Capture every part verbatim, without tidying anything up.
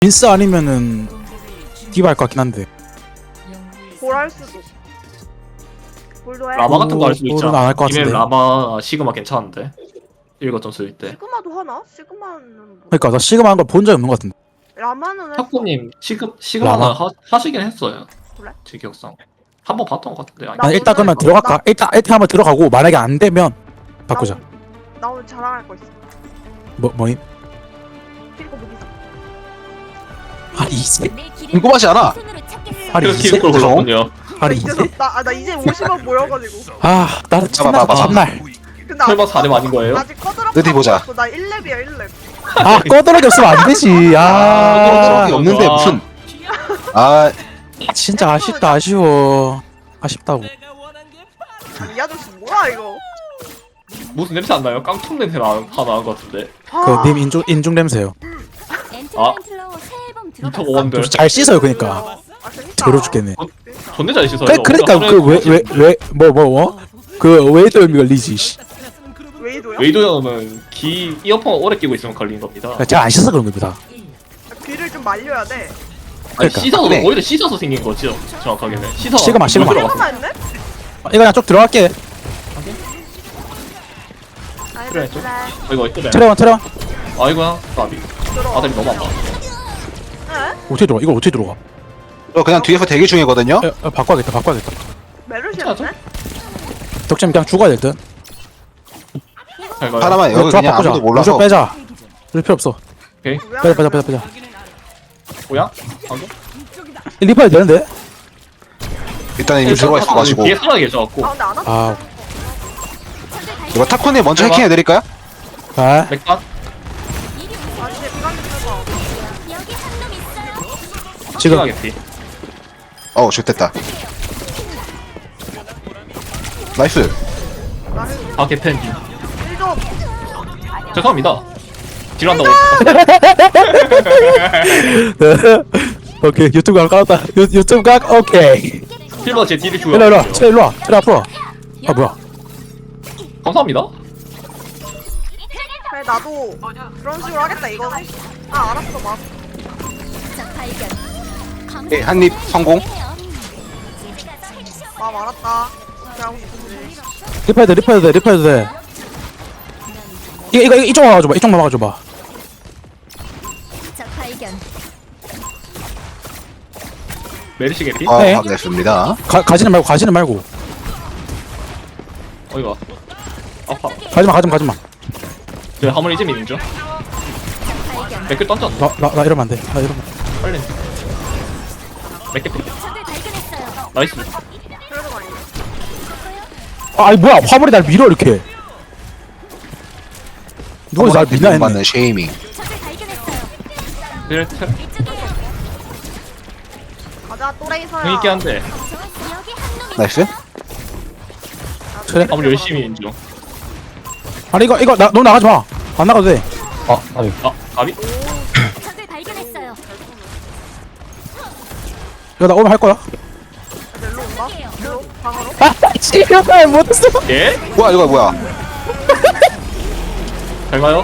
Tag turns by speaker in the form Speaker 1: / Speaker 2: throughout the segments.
Speaker 1: 빈스 아니면은 디바 할 것 같긴 한데.
Speaker 2: 볼 할 수도. 볼도 해.
Speaker 3: 라마 같은 거 할 수
Speaker 1: 볼은
Speaker 3: 있잖아.
Speaker 1: 안할것
Speaker 3: 이메일
Speaker 1: 같은데.
Speaker 3: 라마 시그마 괜찮은데. 일거점 쓸 때.
Speaker 2: 시그마도 하나? 시그마는 뭐.
Speaker 1: 그러니까 나 시그마 한 걸 본 적이 없는 것 같은데.
Speaker 2: 라마는 했어.
Speaker 3: 탁구님 시그 시그마는
Speaker 1: 라마?
Speaker 3: 하, 하시긴 했어요.
Speaker 2: 그래?
Speaker 3: 제 기억상 한 번 봤던 것 같은데. 아니,
Speaker 2: 나
Speaker 1: 아니 일단
Speaker 2: 오늘
Speaker 1: 그러면
Speaker 2: 이거-
Speaker 1: 들어갈까?
Speaker 2: 나-
Speaker 1: 일단 일단 한번 들어가고 만약에 안 되면 바꾸자.
Speaker 2: 나, 나 오늘 자랑할 거 있어.
Speaker 1: 뭐 뭐임?
Speaker 2: 필고 무기상.
Speaker 1: 아니 이제
Speaker 4: 궁금하지 않아?
Speaker 1: 아니
Speaker 3: 그래서
Speaker 1: 이제
Speaker 3: 키를 골랐군요.
Speaker 1: 아니
Speaker 2: 이제
Speaker 1: 이제
Speaker 2: 나, 아, 나 이제 오십 원 모여가지고.
Speaker 1: 아 나는
Speaker 4: 봐봐,
Speaker 1: 첫날
Speaker 4: 봐봐.
Speaker 1: 첫날
Speaker 2: 근데
Speaker 3: 설마
Speaker 2: 아직
Speaker 3: 사렘 아닌 거예요?
Speaker 2: 아직 꺼드럭.
Speaker 4: 어디 보자.
Speaker 2: 나 일 렙이야 일 렙.
Speaker 1: 아 꺼드러기 없으면 안 되지. 아
Speaker 4: 이 없는데
Speaker 3: 아.
Speaker 4: 무슨 아
Speaker 1: 진짜 아쉽다 아쉬워 아쉽다고.
Speaker 2: 이 아저씨 뭐야 이거?
Speaker 3: 무슨 냄새 안 나요? 깡통 냄새 나 하나 나는 것 같은데.
Speaker 2: 아,
Speaker 1: 그 님 인중 인중 냄새요.
Speaker 3: 아. 이터 원들.
Speaker 1: 잘 씻어요 그러니까.
Speaker 2: 아 재밌다.
Speaker 1: 괴로 죽겠네.
Speaker 3: 존내 잘 씻어요.
Speaker 1: 그 그러니까 그 왜 왜 왜 뭐 뭐 뭐? 그 웨이드 의미가 리지. 씨.
Speaker 2: 웨이도야?
Speaker 3: 웨이도 형은 귀 이어폰 오래 끼고 있으면 걸리는 겁니다.
Speaker 1: 제가 안 씻어서 그런 겁니다.
Speaker 2: 귀를 좀 말려야 돼.
Speaker 3: 아니
Speaker 1: 그러니까.
Speaker 3: 씻어서
Speaker 4: 그래.
Speaker 3: 오히려 씻어서 생긴 거죠. 정확하게는 씻어.
Speaker 1: 시그마, 시그마.
Speaker 2: 시그마 했네?
Speaker 1: 어, 이거 그냥 쭉 들어갈게.
Speaker 3: 그래 좀. 아, 이거 이쁘네.
Speaker 1: 트레원 트레원.
Speaker 3: 아이고야 까비.
Speaker 2: 들어.
Speaker 3: 아들이 너무 아파.
Speaker 2: 에?
Speaker 1: 어떻게 들어가? 이걸 어떻게 들어가?
Speaker 4: 저 그냥 뒤에서 대기 중이거든요.
Speaker 1: 에, 에, 바꿔야겠다 바꿔야겠다.
Speaker 2: 메르시였네?
Speaker 1: 덕점 그냥 죽어야 될 듯.
Speaker 3: 잘 가요.
Speaker 4: 하나만 여기
Speaker 1: 조합
Speaker 4: 그냥
Speaker 1: 바꾸자.
Speaker 4: 아무도 몰라서
Speaker 1: 무조건 빼자. 그럴 필요 없어.
Speaker 3: 오케이.
Speaker 1: 빼자 빼자 빼자 빼자.
Speaker 3: 뭐야? 방금?
Speaker 1: 리퍼야 되는데?
Speaker 4: 일단 이미 들어가 있어가지고
Speaker 3: 뒤에 사람이 계셔갖고
Speaker 2: 아 근데 안 왔어?
Speaker 1: 아,
Speaker 4: 이거 타코님 먼저
Speaker 3: 해봐.
Speaker 4: 해킹해드릴까요?
Speaker 1: 아,
Speaker 3: 맥반?
Speaker 2: 아 이제 비관 좀 해봐.
Speaker 1: 지금
Speaker 3: 하겠지.
Speaker 4: 어우 좋됐다. 나이스.
Speaker 2: 나 힐-
Speaker 3: 아 개팬디.
Speaker 2: 힐 좀.
Speaker 3: 죄송합니다. 딜한다고.
Speaker 1: 오케이 유튜브 각 깔았다. 유, 유튜브 각 오케이.
Speaker 3: 실버 제 딜을
Speaker 1: 일로 일로 와.
Speaker 3: 줘요.
Speaker 1: 트레 일로 와. 트레 앞으로 와. 아 뭐야?
Speaker 3: 감사합니다.
Speaker 2: 그래 나도 그런 식으로 하겠다 이거는. 아 알았어 막.
Speaker 4: 예, 한입 성공.
Speaker 2: 막 알았다. 그렇게 하고 싶은데.
Speaker 1: 리퍼해야 돼 리퍼해야 돼 리퍼해야 돼. 이거 이거 이쪽 막아줘봐. 이쪽 막아줘봐.
Speaker 3: 메리시 개피?
Speaker 4: 아
Speaker 1: 네.
Speaker 4: 확인했습니다.
Speaker 1: 가 가지는 말고 가지는 말고.
Speaker 3: 어이가. 아파.
Speaker 1: 가지마 가지마 가지마.
Speaker 3: 저 화물 이제 미는 중. 맥을 던졌네.
Speaker 1: 나나 나 이러면 안 돼. 나 이러면.
Speaker 3: 빨리. 맥 개피. 나이스.
Speaker 2: 그래도 많이.
Speaker 1: 아 아니 뭐야 화물이 날 밀어 이렇게. 누가 날 밀나 했네.
Speaker 4: 받는 쉐이밍.
Speaker 3: 딜 탭.
Speaker 2: 가자 또레이서야.
Speaker 3: 재밌게 한데.
Speaker 4: 나이스.
Speaker 1: 그래?
Speaker 3: 화물 열심히 미는 중.
Speaker 1: 아니 이거 이거 나 너 나가지 마. 안 나가도 돼. 아 아니.
Speaker 3: 아, 가비?
Speaker 1: 이거 나 오면 할 거야.
Speaker 2: 일로 온다. 일로 방으로.
Speaker 1: 아 지금 못했어.
Speaker 3: 예?
Speaker 4: 뭐야 이거 뭐야?
Speaker 3: 잘 가요.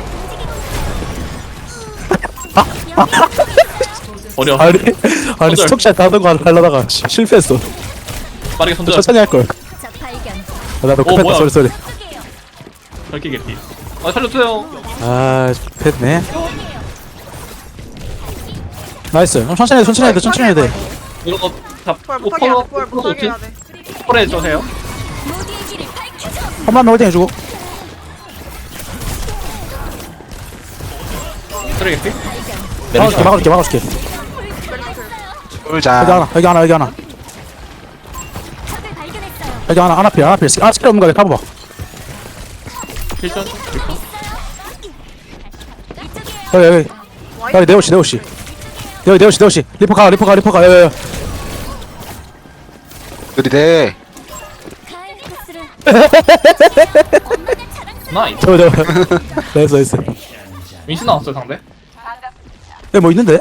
Speaker 3: 어려.
Speaker 1: 아니 아니
Speaker 3: 손절.
Speaker 1: 스톡샷 하던 거 하려다가 시- 실패했어.
Speaker 3: 빠르게 손절.
Speaker 1: 천천히 할 걸. 아, 나도
Speaker 3: 어,
Speaker 1: 급했다
Speaker 3: 뭐야.
Speaker 1: 소리 소리.
Speaker 3: 밝게 개피. 아, 살려주세요.
Speaker 1: 아 급했네. 나이스. 어, 천천히 해 천천히 해야 돼 천천히 해야 돼.
Speaker 3: 이런 거 다,
Speaker 2: 볼
Speaker 3: 뭐,
Speaker 2: 못하게 해야
Speaker 3: 컬러,
Speaker 2: 돼. 볼
Speaker 3: 컬러
Speaker 2: 못하게
Speaker 3: 좋지?
Speaker 2: 해야 돼.
Speaker 3: 컬러 해주세요.
Speaker 1: 한 번만 홀딩 해주고.
Speaker 3: 쓰레 개피?
Speaker 1: 막아줄게 막아줄게 막아줄게. 여기
Speaker 4: 쫄자.
Speaker 1: 하나 여기 하나 여기 하나 여기 하나 하나 필 하나 필. 아 스킬 없는 거 내가 봐봐.
Speaker 3: 필전? 필전?
Speaker 1: 여기 여기 여기 네오씨 네오씨. 여기 네오씨 네오씨. 리퍼 가 리퍼 가 리퍼 가. 여기 여기.
Speaker 4: 그리대.
Speaker 3: 나이스.
Speaker 1: 저기 저기. 나이스 나이스.
Speaker 3: 민신 나왔어요, 상대?
Speaker 1: 여기 뭐 있는데?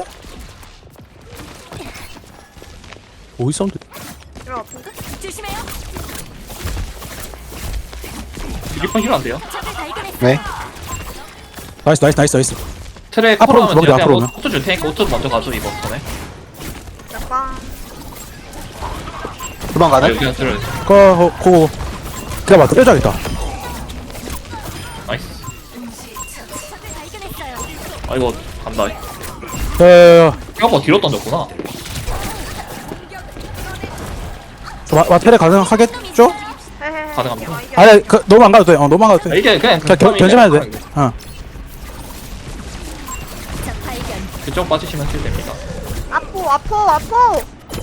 Speaker 1: 어디 사운드?
Speaker 2: 이런 아픈데?
Speaker 3: 리펀 힐안 돼요?
Speaker 4: 네.
Speaker 1: 나이스 나이스 나이스 나이스.
Speaker 3: 트랙
Speaker 1: 앞으로
Speaker 3: 코로 하면
Speaker 1: 주먹이
Speaker 3: 돼요.
Speaker 1: 앞으로
Speaker 3: 그냥 오토 줄 테니까 오토 먼저 가줘 이거 전에.
Speaker 2: 약간
Speaker 4: 도망가네?
Speaker 3: 그냥 들어.
Speaker 1: 거 고. 그래 봐. 때려줘야겠다.
Speaker 3: 나이스. 아 이거 간다.
Speaker 1: 에.
Speaker 3: 생각보다 뒤로 던졌구나.
Speaker 1: 와 테레 가능하겠죠?
Speaker 2: 헤헤헤.
Speaker 3: 가능합니다.
Speaker 2: 아, 이게
Speaker 1: 아니 그 너무 안 가도 돼. 어 너무 안 가도
Speaker 3: 아,
Speaker 1: 돼.
Speaker 3: 이게 그냥
Speaker 1: 그냥 견- 견제만 해도 돼. 어.
Speaker 3: 그쪽 빠지시면 킬 됩니다.
Speaker 2: 아포 아포 아포.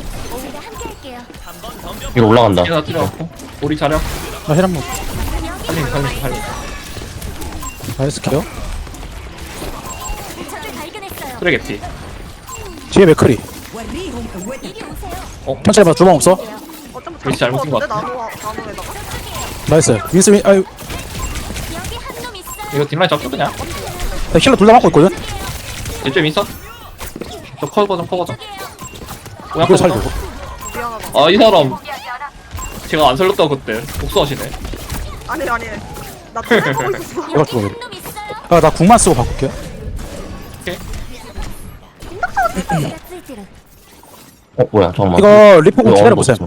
Speaker 5: 이거 올라간다.
Speaker 3: 하나 들어갔고 우리 자력
Speaker 1: 나 힐한 번.
Speaker 3: 살림 살림 살림.
Speaker 1: 나이스 켜.
Speaker 3: 트랙 에피.
Speaker 1: 뒤에 맥크리.
Speaker 3: 어?
Speaker 1: 천천히 봐. 주방 없어.
Speaker 2: 어쩜
Speaker 3: 글씨 잘못 쓴것 같아.
Speaker 2: 나노 나노에다가.
Speaker 1: 나이스. 윈스 윈. 아유.
Speaker 3: 이거 뒷라인 잡죠 그냥.
Speaker 1: 나 힐러 둘 다 맞고 있거든.
Speaker 3: 이쪽 인사. 저 커버 좀 커버 좀. 뭐야
Speaker 1: 이거
Speaker 3: 커버
Speaker 1: 살리고.
Speaker 3: 좀.
Speaker 2: 미안하다.
Speaker 3: 아이 사람 제가 안 살렸다고 그때 복수하시네.
Speaker 2: 아니 아니. 나 뜯어보고 있었어.
Speaker 1: 이거 죽어. 아나 궁만 쓰고 바꿀게.
Speaker 5: 어 뭐야 잠깐만.
Speaker 1: 이거 리포공
Speaker 5: 이거
Speaker 1: 기다려 보세요.
Speaker 5: 어느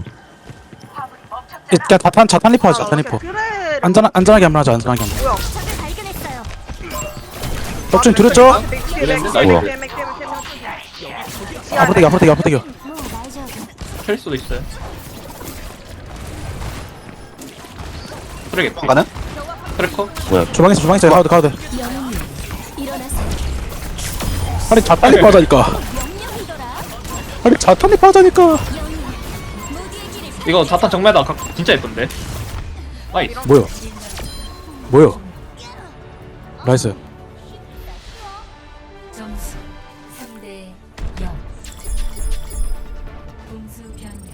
Speaker 1: 그냥 자탄 자탄 리포 하자. 자탄 리포.
Speaker 2: 그래.
Speaker 1: 안전 안전하게 한번 하자. 안전하게 한번.
Speaker 2: 뭐야?
Speaker 1: 덕준 들었죠?
Speaker 5: 뭐야?
Speaker 1: 앞으로 대기 앞으로 대기 앞으로 대기.
Speaker 3: 킬 수도 있어요. 트랙 에피.
Speaker 4: 도망가는?
Speaker 3: 트래커.
Speaker 5: 뭐야?
Speaker 1: 주방에서 주방에서 가도 돼 가도 돼. 아니 자탄 리포 하자니까. 아니 자탄 리포 하자니까.
Speaker 3: 이거 자탄 정면다 각 진짜 예쁜데. 나이스.
Speaker 1: 뭐야? 뭐야? 나이스.
Speaker 6: 점수 삼 대 영. 공수 변경.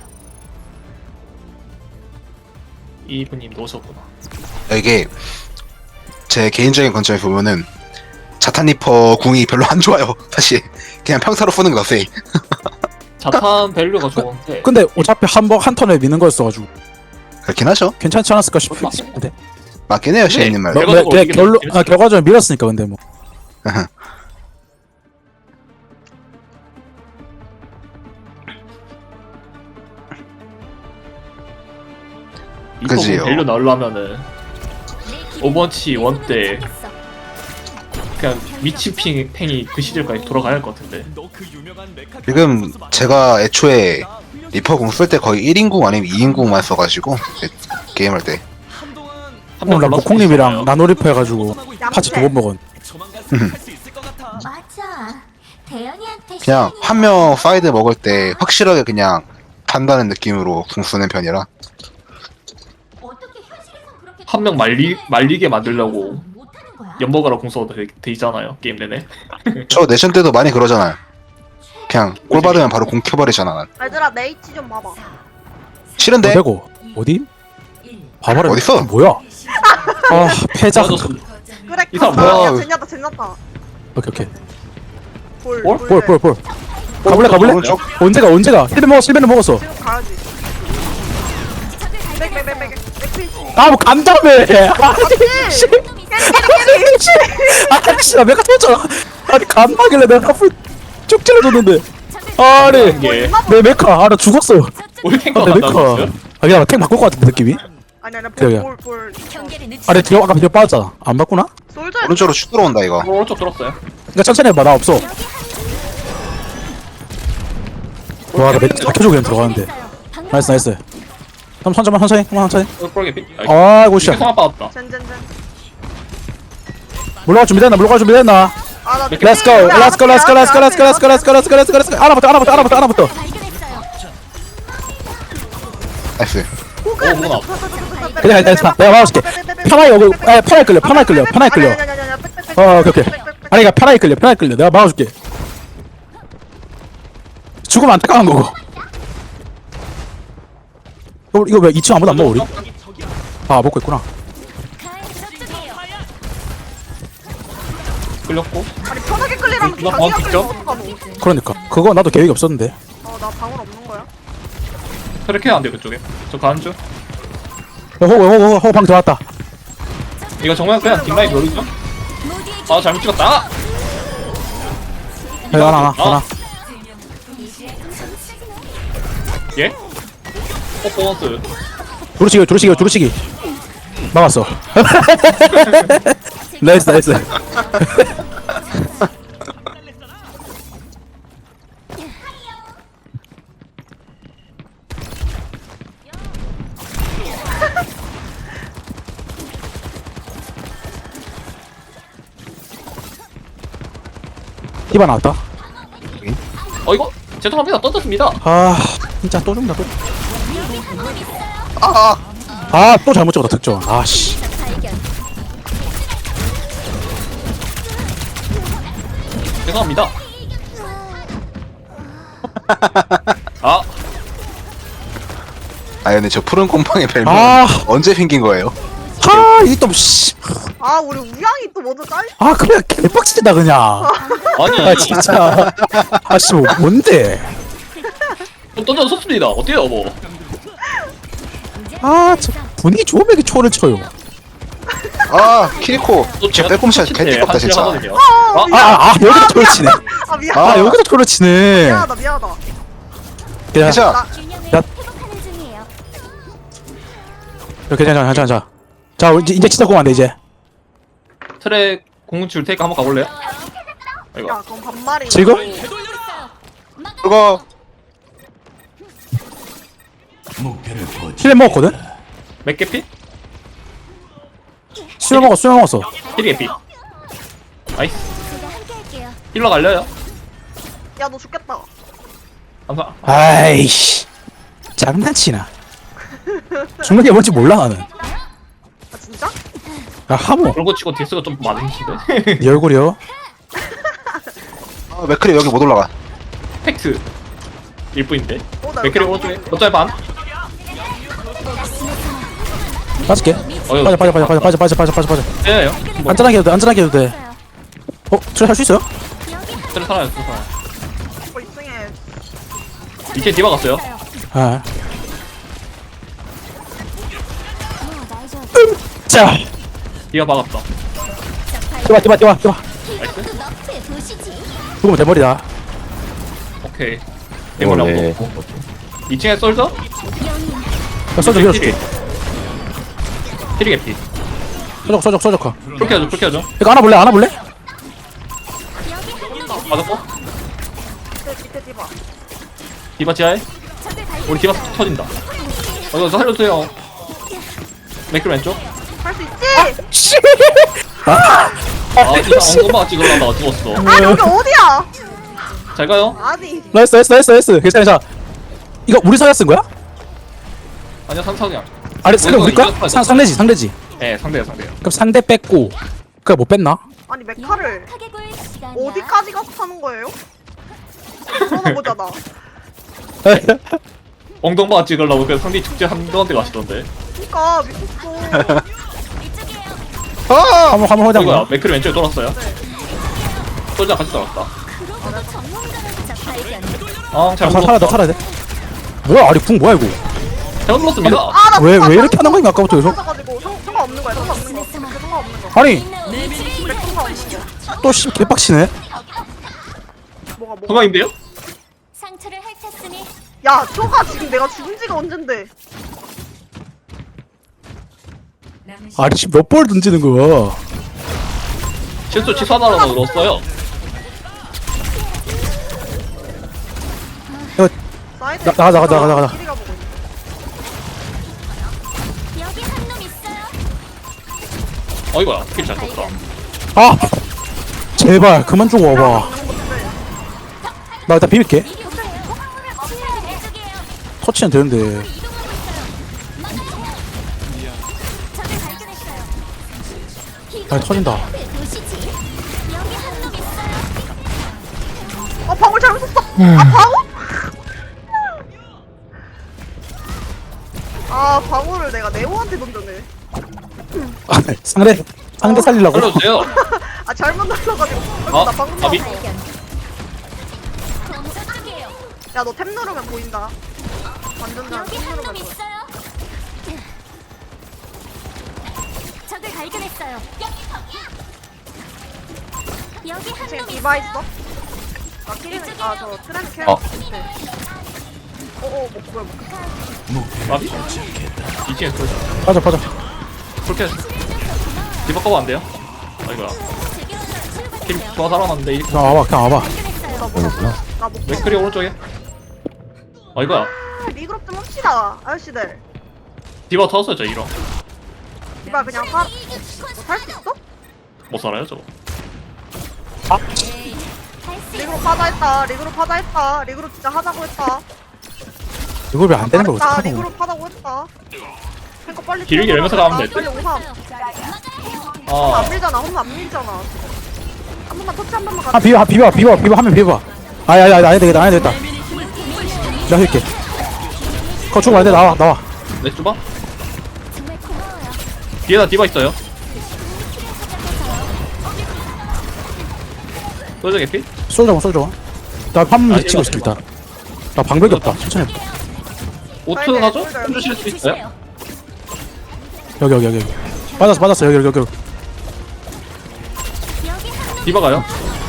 Speaker 3: 이분님 놓으셨구나.
Speaker 4: 이게 제 개인적인 관점에 보면은 자탄리퍼 궁이 별로 안 좋아요. 사실 그냥 평타로 푸는 거 같아.
Speaker 3: 자탄 밸류가 좋은데
Speaker 1: 근데 어차피 한 번 한 턴에 미는 거였어가지고
Speaker 4: 그렇긴 하죠.
Speaker 1: 괜찮지 않았을까 싶- 싶은데.
Speaker 4: 맞긴 해요, 시애님 말.
Speaker 1: 뭐,
Speaker 3: 결과적으로
Speaker 1: 뭐, 그냥
Speaker 3: 이기면
Speaker 1: 결론
Speaker 3: 재밌을
Speaker 1: 아 결과적으로 밀었으니까 근데 뭐.
Speaker 3: 이거
Speaker 4: 그지요.
Speaker 3: 밸류 나오려면은 오버워치 원 때 그냥 미치핑 팽이 그 시절까지 돌아가야 할 것 같은데.
Speaker 4: 지금 제가 애초에 리퍼 궁 쓸 때 거의 일 인궁 아니면 이 인궁만 써가지고 게임할 때.
Speaker 3: 한명
Speaker 1: 오늘 나 무콩님이랑 나노리프 해가지고 파츠 두 번 먹은.
Speaker 6: 맞아. 대현이한테
Speaker 4: 그냥 한 명 사이드 먹을 때 확실하게 그냥 판다는 느낌으로 궁 쓰는 편이라.
Speaker 6: 어떻게 현실에선 그렇게
Speaker 3: 한 명 말리 말리게 만들려고
Speaker 6: 못하는 거야?
Speaker 3: 연먹으라 공서도 돼, 돼 있잖아요 게임 내내.
Speaker 4: 저 내션 때도 많이 그러잖아요. 그냥 꼴 받으면 바로 궁 켜버리잖아. 난.
Speaker 2: 얘들아 내 위치 좀 봐봐.
Speaker 4: 싫은데?
Speaker 1: 어디고? 어디? 봐봐라.
Speaker 4: 어딨어?
Speaker 1: 뭐야? 아 패자.
Speaker 3: 맞았어.
Speaker 2: 그래.
Speaker 3: 이 사람
Speaker 2: 아,
Speaker 4: 뭐야?
Speaker 2: 야 젠냐다 젠냐다.
Speaker 1: 오케이 오케이.
Speaker 2: 볼.
Speaker 3: 볼?
Speaker 1: 볼 볼 볼. 가볼래 가볼래?
Speaker 4: 오른쪽?
Speaker 1: 언제가 언제가? 실베 먹어 실베는 먹었어.
Speaker 2: 지금 가야지. 백백백백 백피치.
Speaker 1: 아뭐 간다며. 아니 씨. 아씨 나 메카 터졌잖아. 아니 간다길래 내가 앞을 쭉 찔러줬는데. 아니
Speaker 3: 이게
Speaker 1: 내 메카 아나 죽었어.
Speaker 3: 우리 탱커
Speaker 1: 아, 내
Speaker 3: 간다고
Speaker 1: 메카.
Speaker 3: 했어요?
Speaker 1: 아 그냥 탱 바꿀 것 같은데 느낌이?
Speaker 2: 아니 아니
Speaker 1: 그래요.
Speaker 2: 볼볼 볼.
Speaker 6: 경계를 늦추
Speaker 1: 아니 뒤로 아까 뒤로 빠졌잖아. 안 바꾸나?
Speaker 2: 솔저.
Speaker 4: 오른쪽으로 쭉 들어온다 이거.
Speaker 3: 어, 오른쪽 들었어요.
Speaker 1: 그러니까 천천히 해봐 나 없어. 와나 메카 잡혀주고 그냥 들어가는데. 나이스 나이스. 그럼 천천히 천천히 한번 천천히.
Speaker 3: 어, 볼 개피.
Speaker 1: 아이고 씨.
Speaker 3: 이게 성악 받았다.
Speaker 2: 젠젠젠.
Speaker 1: 물러갈 준비됐나? 물러갈 준비됐나?
Speaker 2: 아나.
Speaker 1: Let's go, let's go, let's go, let's go, let's go, let's go, let's go, let's go, let's go, let's go. 하나부터, 하나부터, 하나부터, 하나부터.
Speaker 4: 나이스.
Speaker 3: 오 뭐가 나왔어.
Speaker 1: 그냥 일단 자, 내가 막아줄게. 편하게 오고, 에 편하게 끌려, 편하게 끌려, 편하게 끌려. 어, 오케이, 오케이. 아니, 그러니까 편하게 끌려, 편하게 끌려. 내가 막아줄게. 죽으면 안타까운 거고. 어, 이거 왜 이 층 아무도 안 먹어 우리? 아, 먹고 있구나.
Speaker 3: 끌렸고.
Speaker 2: 아니 편하게 끌리랑
Speaker 3: 나
Speaker 2: 자기가
Speaker 3: 방금
Speaker 2: 끌리면
Speaker 3: 직접?
Speaker 2: 어떡하노?
Speaker 1: 그러니까 그거 나도 계획이 없었는데.
Speaker 2: 어나 방울 없는 거야?
Speaker 3: 트랙 해야 안 돼 그쪽에. 저 가는 중.
Speaker 1: 어, 호호, 호호, 호호, 방 들어왔다.
Speaker 3: 이거 정말 그냥 뒷라인 노리죠? 아 잘못 찍었다.
Speaker 1: 하나 하나 하나.
Speaker 3: 예? 퍼포먼스.
Speaker 1: 두루치기 두루치기 두루치기. 막았어. 나이스 나이스. 디바 나왔다.
Speaker 3: 어 이거 죄송합니다. 던졌습니다.
Speaker 1: 아 진짜 또 죽는다 또.
Speaker 4: 아,
Speaker 1: 아 또 잘못 찍었다 득점. 아씨.
Speaker 3: 죄송합니다. 아
Speaker 4: 아 근데 저 푸른 곰팡이 별명
Speaker 1: 아.
Speaker 4: 언제 생긴 거예요?
Speaker 1: 아 이게 또 씨.
Speaker 2: 아 우리 우양이 또 먼저 깔.
Speaker 1: 아 그냥 개빡치다 그냥.
Speaker 3: 아니
Speaker 1: 아 진짜. 아씨 뭐 뭔데?
Speaker 3: 던져졌습니다. 어때요 뭐?
Speaker 1: 아 저 분위기 좋으면 이렇게 초를 쳐요.
Speaker 4: 아 키리코
Speaker 3: 또
Speaker 4: 진짜
Speaker 3: 제가
Speaker 4: 빼꼼샷
Speaker 3: 칠칠
Speaker 4: 개띠껍다
Speaker 3: 한
Speaker 4: 진짜.
Speaker 3: 하거든요.
Speaker 2: 아,
Speaker 3: 아,
Speaker 2: 미안.
Speaker 1: 아, 아 여기다 초를 치네.
Speaker 2: 아 미안.
Speaker 1: 아 여기다 초를 치네.
Speaker 2: 미안하다 미안하다.
Speaker 1: 그냥
Speaker 4: 괜찮아.
Speaker 2: 나
Speaker 1: 야. 괜찮아 괜찮아 괜찮아. 자 이제 이제 진짜 공안돼 이제.
Speaker 3: 트랙 공줄 테니까 한번 가볼래요? 아이고.
Speaker 2: 야 그럼 반말이.
Speaker 1: 지금?
Speaker 4: 그거
Speaker 1: 힐 먹었거든?
Speaker 3: 맥개피?
Speaker 1: 수영 먹었어 수영 먹었어.
Speaker 3: 힐개피. 나이스. 힐러 갈려요?
Speaker 2: 야너 죽겠다.
Speaker 3: 감사.
Speaker 1: 아이씨 장난치나. 중간에 뭔지 몰라 나는.
Speaker 2: 아 진짜?
Speaker 1: 야 하모
Speaker 3: 그런 치고 딜스가 좀 많으신데.
Speaker 1: 네 얼굴이요.
Speaker 4: 아, 맥크리 여기 못 올라가.
Speaker 3: 팩트. 일뿐인데.
Speaker 2: 어, 나
Speaker 3: 맥크리
Speaker 2: 여기
Speaker 3: 오른쪽에. 어차피 반.
Speaker 1: 빠질게.
Speaker 3: 어여.
Speaker 1: 빠져 빠져 빠져 빠져 빠져 빠져 빠져 빠져 빠져.
Speaker 3: 예요. 뭐
Speaker 1: 안전하게 해도 돼 안전하게 해도 돼. 어? 저래 할수 있어요?
Speaker 3: 트랙 살아요. 트랙 살아요.
Speaker 2: 어 이승에.
Speaker 3: 이제 디바 갔어요.
Speaker 1: 아. 자
Speaker 3: 디바 박았다.
Speaker 1: 뛰어 뛰어 뛰어 뛰어.
Speaker 3: 나이스.
Speaker 1: 죽으면 대머리다.
Speaker 3: 오케이.
Speaker 5: 이걸
Speaker 3: 대물
Speaker 5: 왜
Speaker 3: 나오고. 이 층에 쏠져?
Speaker 1: 야 써줘 밀어줄게.
Speaker 3: 힐이 개피.
Speaker 1: 써줘 써줘 써줘 커.
Speaker 3: 그렇게 하죠. 그렇게 하죠.
Speaker 1: 이거 안아볼래 안아볼래?
Speaker 3: 맞았고.
Speaker 2: 밑에 밑에 디바.
Speaker 3: 디바 지하에. 우리 디바 터진다. 어 이거 살려주세요. 맥크 왼쪽.
Speaker 2: 할 수 있지?
Speaker 1: 씨.
Speaker 3: 아 디바 엉금마 찍으려다가 죽었어.
Speaker 2: 아 여기 어디야?
Speaker 3: 잘 가요.
Speaker 2: 아니.
Speaker 1: 나이스 나이스 나이스 나이스. 괜찮아 괜찮아. 이거 우리 사야 쓴 거야?
Speaker 3: 아니야 상상이야.
Speaker 1: 아니 상대
Speaker 3: 이거
Speaker 1: 우리 거야?
Speaker 3: 이거
Speaker 1: 상 상대지 상대지.
Speaker 3: 네 상대야 상대야.
Speaker 1: 그럼 상대 뺐고 그래 못 뺐나?
Speaker 2: 아니 메카를 어디까지 가서 타는 거예요? 물어보잖아.
Speaker 3: 엉덩마 찍으려고 그 상대 축제 한동한테 가시던데.
Speaker 2: 그니까 미쳤어.
Speaker 4: 아,
Speaker 1: 한번 한번
Speaker 3: 이거야
Speaker 1: 하자.
Speaker 3: 맥크리 왼쪽에 돌았어요. 솔자 같이 돌았다. 아잘
Speaker 1: 사 살아야 돼 살아야 돼. 뭐야 아리 궁 뭐야 이거?
Speaker 3: 잘못 눌렀습니다.
Speaker 2: 아나
Speaker 1: 왜 왜 이렇게 하는 거야 아까부터 계속?
Speaker 2: 가지고 상관없는 거야 상관없는 거. 상관없는 거.
Speaker 1: 아니
Speaker 2: 상관없는 거.
Speaker 1: 또씨 개빡치네.
Speaker 2: 뭐가 뭐가.
Speaker 3: 건강인데요?
Speaker 6: 상처를 핥았으니
Speaker 2: 야 저가 지금 내가 죽은 지가 언젠데.
Speaker 1: 아니 지금 몇 볼 던지는 거야?
Speaker 3: 실수 취소하다가 넣었어요.
Speaker 2: 사이드.
Speaker 1: 나- 나가, 나가, 나가, 나가.
Speaker 2: 길이가 보고 있어.
Speaker 6: 여기 한 놈 있어요.
Speaker 3: 어 이거야 스킬 잘 썼다.
Speaker 1: 아 제발 그만 좀 와봐. 나 일단 비빌게. 터치는 되는데. 아 터진다.
Speaker 2: 어 방울 잘못 썼어. 아 방울? 아 방울을 내가 네오한테 던졌네.
Speaker 1: 아, 상대 상대 살리려고.
Speaker 3: 살려주세요.
Speaker 2: 아 잘못 눌러가지고.
Speaker 3: 어?
Speaker 2: 나 방금
Speaker 3: 아비?
Speaker 2: 나왔어. 야너 탭 누르면 보인다. 완전 잘
Speaker 6: 여기
Speaker 2: 탭
Speaker 6: 한 놈
Speaker 2: 누르면 보여.
Speaker 6: 있어요. 적을 발견했어요. 여기 한
Speaker 2: 지금
Speaker 6: 놈
Speaker 2: 디바
Speaker 6: 있어요.
Speaker 2: 있어? 나 키리는 아저 트렌드 캐.
Speaker 5: 어.
Speaker 2: 오오 뭐 뭐야 뭐.
Speaker 3: 아비? 이층에 쏠
Speaker 1: 빠져 빠져.
Speaker 3: 그렇게 디바 커버 안 돼요? 아 이거야 팀 좋아 살아났는데 이
Speaker 1: 그냥 와봐 그냥 와봐.
Speaker 5: 여기구나.
Speaker 2: 나못
Speaker 3: 맥크리 오른쪽에 아 이거야
Speaker 2: 리그룹 좀 합시다 아저씨들.
Speaker 3: 디바 터졌죠 이런
Speaker 2: 이봐 그냥 사. 뭐살수 있어?
Speaker 3: 못 살아요 저거
Speaker 2: 리그룹 하자 했다. 리그룹 하자 했다. 리그룹 진짜 하자고 했다.
Speaker 1: 이걸 왜 안 되는 걸
Speaker 2: 잘했다.
Speaker 1: 어떡하노.
Speaker 2: 리그룹 하자고 했다. 그러니까 빨리
Speaker 3: 길게
Speaker 2: 뛰어나가.
Speaker 3: 열면서 가면 될 듯?
Speaker 2: 빨리 오삼.
Speaker 3: 아
Speaker 2: 안 밀잖아. 홈 안 밀잖아. 한 번만 터치 한 번만
Speaker 1: 아
Speaker 2: 가.
Speaker 1: 비벼 비벼 비벼 비벼 하면 비벼. 아야야 안 해도 되겠다 안 해도 되겠다. 나 할게. 거 주고 안돼 나와 나와.
Speaker 3: 내 쭈바?
Speaker 6: 정말 고마워요.
Speaker 3: 뒤에다 디바 있어요 소저 개피?
Speaker 1: 쏠져 쏠져. 나 판문
Speaker 3: 아,
Speaker 1: 미치고 있어 일단. 나 방벽이 없다. 천천히 해봐.
Speaker 3: 오트
Speaker 2: 네,
Speaker 3: 가죠?
Speaker 2: 네,
Speaker 3: 좀 주실 수 있어요?
Speaker 1: 여기 여기 여기 여기. 맞았어 맞았어 여기 여기 여기.
Speaker 6: 여기 한
Speaker 3: 디바 가요?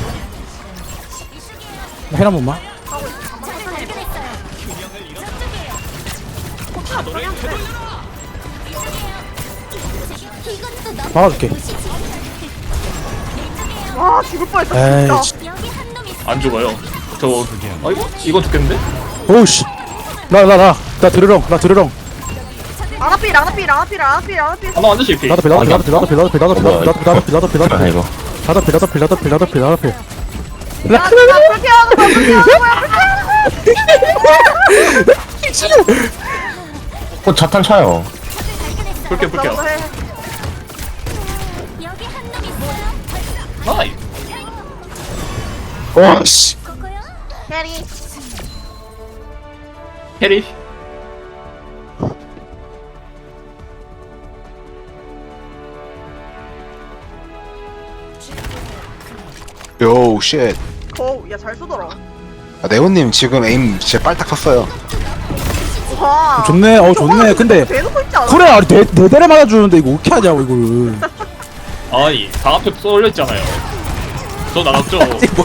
Speaker 1: 나 헬한 번만.
Speaker 6: 적을 발견했어요. 저쪽이에요. 이것도 너
Speaker 1: 막아줄게.
Speaker 2: 와 죽을 뻔했어
Speaker 1: 에이
Speaker 2: 진짜.
Speaker 6: 여기 한 놈 있어.
Speaker 3: 안 죽어요 저 아 이거? 이건 죽겠는데?
Speaker 1: 오우씨. 나 나 나 나 들으렁 나 들으렁.
Speaker 2: 라나피 라나피 라나피 라나피 라나피.
Speaker 3: 하나 완전 실패
Speaker 1: 나도 필 나도 필 나도 필 나도 필 나도 필 나도 필 나도 필 나도 필 나도 필 나도 필
Speaker 5: 아 이거.
Speaker 1: 나도 필 나도 필 나도 필 나도 필 나도 필.
Speaker 2: 야 진짜 그렇게 하는 거 그렇게 하는 거야 그렇게 하는
Speaker 5: 어 자탄 차요.
Speaker 3: 볼게요
Speaker 2: 거야.
Speaker 3: 볼게요
Speaker 2: 해.
Speaker 6: 여기 한 놈 있어요.
Speaker 3: 나이
Speaker 1: 와씨.
Speaker 6: 그거요?
Speaker 2: 캐리.
Speaker 3: 캐리
Speaker 4: 요 쉣.
Speaker 2: 거우 야잘 쏘더라.
Speaker 4: 아, 네오님 지금 에임 진짜 빨딱 섰어요.
Speaker 2: 와.
Speaker 1: 좋네 어 좋네. 근데
Speaker 2: 대놓고 있지 않아?
Speaker 1: 그래 아니 네, 네 대를 맞아주는데 이거 어떻게 하냐고 이거를.
Speaker 3: 아니 다 앞에 쏠려 있잖아요 저 나갔죠?